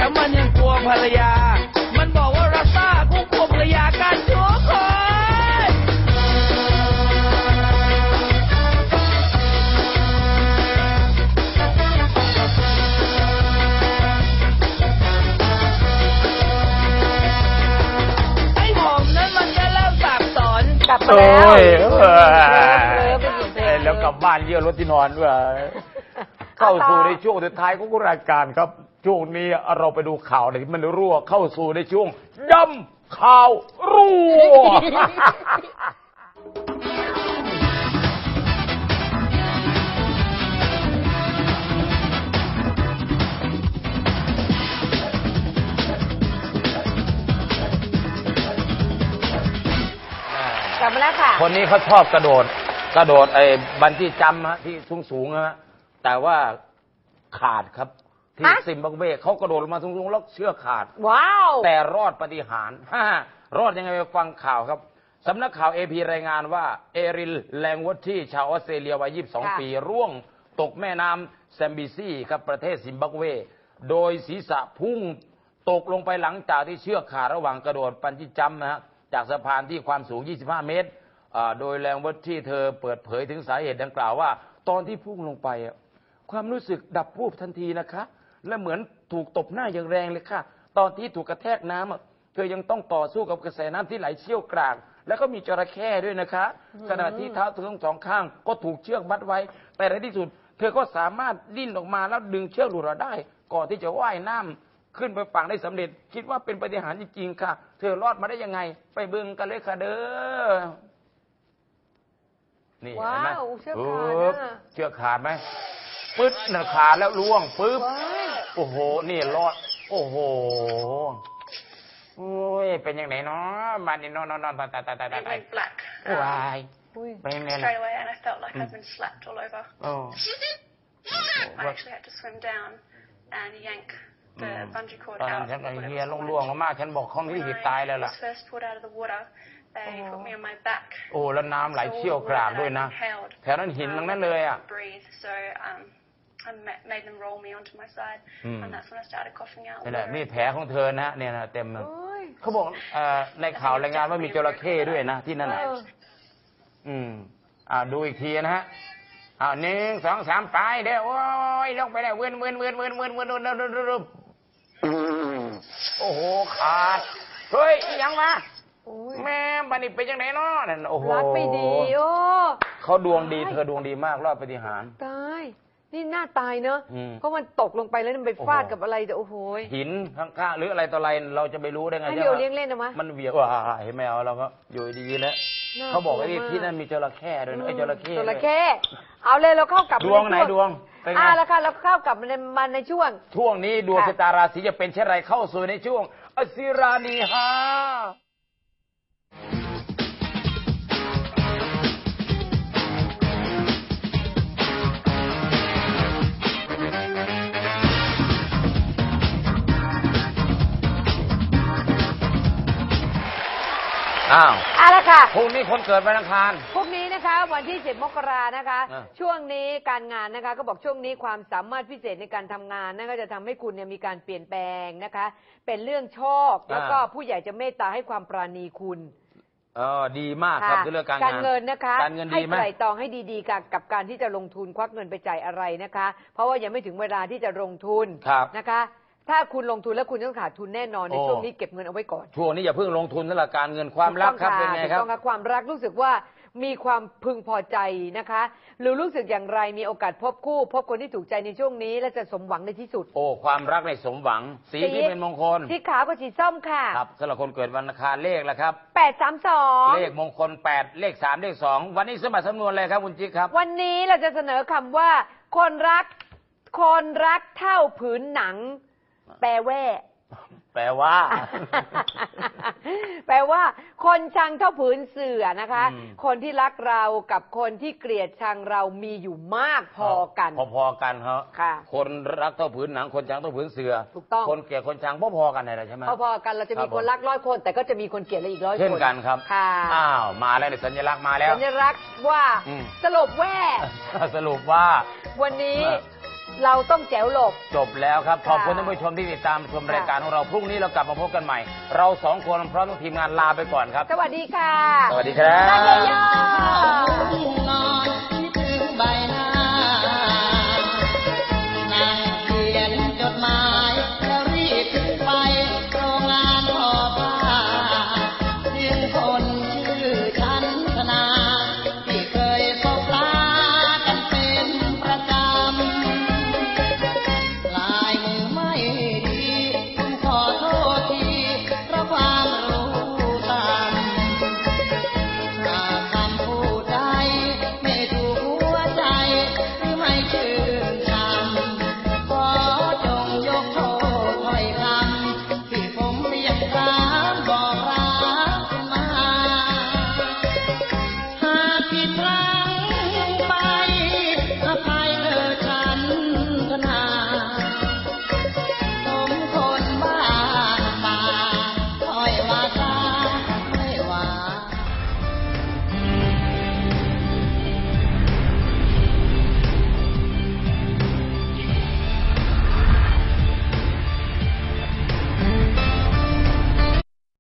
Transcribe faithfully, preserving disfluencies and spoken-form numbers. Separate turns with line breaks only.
แต่มันยังกลัวภรรยามันบอกว่ารัสซ่ากูกลัวภรรยากันทุกคนไอ้ผมนั้นมันจะเริ่มสับสนกลับมาแล้ว
แล้วกลับบ้านเยี่ยวรถที่นอนด้วยเข้าสู่ในช่วงสุดท้ายของรายการครับช่วงนี้เราไปดูข่าวที่มันรั่วเข้าสู่ในช่วงย่ำข่าวรั่ว
กลับมาแล้วค่ะ
คนนี้เขาชอบกระโดดกระโดดไอ้บันจี้จัมป์ฮะที่สูงสูงฮะแต่ว่าขาดครับที่ซิมบับเวเขากระโดดลงมาสูงๆแล้วเชือกขาด
ว้าวแต่
รอดปาฏิหาริย์รอดยังไงไปฟังข่าวครับสำนักข่าว เอ พี รายงานว่าเอริลแลงวอตที่ชาวออสเตรเลียวัยยี่สิบสองปีร่วงตกแม่น้ำแซมบิซีครับประเทศซิมบับเวโดยศีรษะพุ่งตกลงไปหลังจากที่เชือกขาดระหว่างกระโดดบันจี้จัมป์นะฮะจากสะพานที่ความสูงยี่สิบห้าเมตรโดยแรงวัดที่เธอเปิดเผยถึงสาเหตุดังกล่าวว่าตอนที่พุ่งลงไปความรู้สึกดับวูบทันทีนะคะและเหมือนถูกตบหน้าอย่างแรงเลยค่ะตอนที่ถูกกระแทกน้ำเธอยังต้องต่อสู้กับกระแสน้ำที่ไหลเชี่ยวกรากแล้วก็มีจระเข้ด้วยนะคะขณะที่เท้าเธอทั้งสองข้างก็ถูกเชือกมัดไว้แต่ในที่สุดเธอก็สามารถดิ้นออกมาแล้วดึงเชือกหลุดออกได้ก่อนที่จะว่ายน้ำขึ้นไปฝั่งได้สำเร็จคิดว่าเป็นปาฏิหาริย์จริงๆค่ะเธอรอดมาได้ยังไงไปเบิ่งกันเลยค่ะเด้อนี่เห็นไหมเชือกขาดเชือกขาดไหมปึ๊ดหน้าขาแล้วล่วงปึ๊บโอ้โหนี่รอดโอ้โหโอ้ยเป็นยังไงเนาะมันนี่นอนนอนนอนตายตายตายตายตายว้ายเป็นยังไงล่ะ
Straight away and I felt like I'd been slapped all over. I actually had to swim down and yank the bungee cord out.
ตอนนั้นฉันก็เฮียล่วงๆมากฉันบอกเขาไม่หิบตายแล้วล่ะ
First pulled out of the water, they put me on my back.
โอ้แล้วน้ำไหลเชี่ยวกรากด้วยนะแถวนั้นหินทั้งนั้นเลยอ่ะ
Breathe, so um, I made them roll me onto my side, and that's when I started coughing out.
นี่แหละนี่แผลของเธอนะเนี่ยนะเต็มเขาบอกในข่าวรายงานว่ามีจระเข้ด้วยนะที่นั่นน่ะอืมอ่าดูอีกทีนะฮะอ่าหนึ่งสองสามไปเดี๋ยวโอ้ยลงไปแล้วเวินเวินเวินเวินเวินเวินเวินเวินโอ้โหขาดเฮ้ยยังมาแม่บันนี่เป็นยังไงเนาะนั่นโอ้โห
รักไม่ดีโอ้
เขาดวงดีเธอดวงดีมากรอดปาฏิหาริย์
ตายนี่น่าตายเนอะเพราะมันตกลงไปแล้วมันไปฟาดกับอะไรแต่โอ้โห
หินข้างๆหรืออะไรต่ออะไรเราจะไปรู้ได้ไง
ให้เดี๋ยวเลี้ยงเล่นนะมะ
มันเหวี่ยงว่าเห็นไหมเอาเราก็อยู่ดีแล้วเขาบอกว่าที่นั่นมีจระเข้ด้วยนะไอ้จระเข้
จระเข้เอาเลยเราเข้ากลับ
ดวงไหนดวง
อ่าแล้วค่ะเราเข้ากลับในมันในช่วง
ช่วงนี้ดวงชะตาราศีจะเป็นเช่นไรเข้าสู่ในช่วงอสิรานีฮาอ้าว
เอาละค่ะ
พรุ่งนี้คนเกิดวันอังคาร
พรุ่งนี้นะคะวันที่สิบมกรานะคะช่วงนี้การงานนะคะก็บอกช่วงนี้ความสามารถพิเศษในการทำงานนั่นก็จะทำให้คุณเนี่ยมีการเปลี่ยนแปลงนะคะเป็นเรื่องโชคแล้วก็ผู้ใหญ่จะเมตตาให้ความปราณีคุณ
เออดีมากครับเรื่องการงาน
การเงินนะคะ
การเงินดีไหม
ให้ไตร่ตรองให้ดีๆกับกับการที่จะลงทุนควักเงินไปจ่ายอะไรนะคะเพราะว่ายังไม่ถึงเวลาที่จะลงทุนนะคะถ้าคุณลงทุนแล้วคุณต้องขาดทุนแน่นอนในช่วงนี้เก็บเงินเอาไว้ก่อน
ช่วงนี้อย่าเพิ่งลงทุนสำหรับการเงินความรักครับเป็นไงครับ
ต้องความรักรู้สึกว่ามีความพึงพอใจนะคะหรือรู้สึกอย่างไรมีโอกาสพบคู่พบคนที่ถูกใจในช่วงนี้และจะสมหวังในที่สุด
โอ้ความรักในสมหวังสีที่เป็นมงคล
สีขาวกับสีส้มค่ะ
ครับสำหรับคนเกิดวันอังคารเลขละครับ
แปดสามสอง
เลขมงคลแปดเลขสามเลขสองวันนี้สมัครสำนวนอะไรครับคุณจิ๊กครับ
วันนี้เราจะเสนอคำว่าคนรักคนรักเท่าผืนหนังแปลว่า
แปลว่า
แปลว่าคนชังเท่าผืนเสื่อนะคะคนที่รักเรากับคนที่เกลียดชังเรามีอยู่มากพอกัน
พอๆกันครับคนรักเท่าผืนหนังคนชังเท่าผืนเสื่อ
ถูกต้อง
คนเกลียดคนชังพอๆกันใช่ไหม
พอๆกันเราจะมีคนรักร้อยคนแต่ก็จะมีคนเกลียดอีกร้อยคน
เช่นกันครับอ้าวมาแล้วสัญลักษณ์มาแล้ว
สัญลักษณ์ว่าสรุปว่า
สรุปว่า
วันนี้เราต้องแจ๋วหลบ
จบแล้วครับ
ค่ะ
ขอบคุณท่านผู้ชมที่ติดตามชม
ค่ะ
รายการของเราพรุ่งนี้เรากลับมาพบกันใหม่ เราสองคนพร้อมทั้งทีมงานลาไปก่อนครับ
สวัสดีค่ะ
สวัสดีครับ
ลาเยอะๆ